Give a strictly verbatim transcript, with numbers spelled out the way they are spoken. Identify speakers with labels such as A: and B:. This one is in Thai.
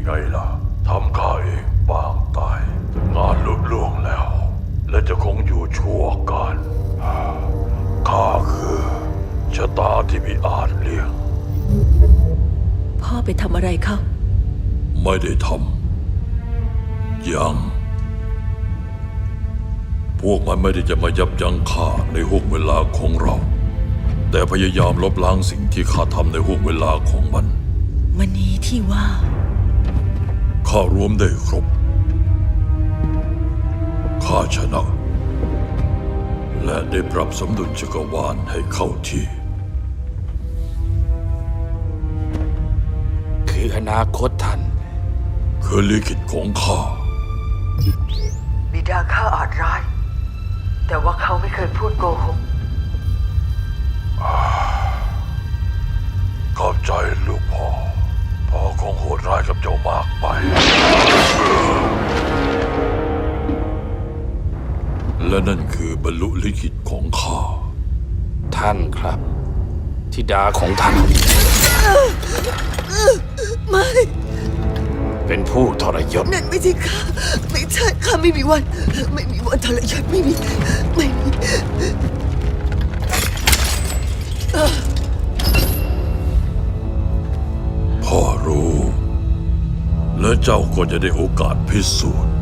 A: ไงล่ะทำข้าเองปางตายงานลุล่วงแล้ว และจะคงอยู่ชั่วกันข้าคือชะตาที่มิอาจเลี่ยง
B: พ่อไปทำอะไรเขา
A: ไม่ได้ทำยัง พวกมันไม่ได้จะมายับยั้งข้าในห่วงเวลาของเรา แต่พยายามลบล้างสิ่งที่ข้าทำในห่วงเวลาของมัน
B: มณีที่ว่า
A: ข้ารวมได้ครบ ข้าชนะ และได้ปรับสมดุลจักรวาลให้เข้าที่
C: คืออนาคตท่าน
A: คือลิขิตของข้า
D: บิดาข้าอาจร้าย แต่ว่าเขาไม่เคยพูดโกหก
A: ขอบใจลูกพ่อ พ่อคงโหดร้ายกับเจ้ามากไป และนั่นคือบรรลุลิขิตของข้า
C: ท่านครับธิดาของท่าน
B: ไม่
C: เป็นผู้ทรยศ
B: นั่นไม่ใช่ข้าไม่ใช่ข้าไม่มีวัน ไม่มีวันทรยศไม่มี ไม่มี
A: พ่อรู้ และเจ้าก็จะได้โอกาสพิสูจน์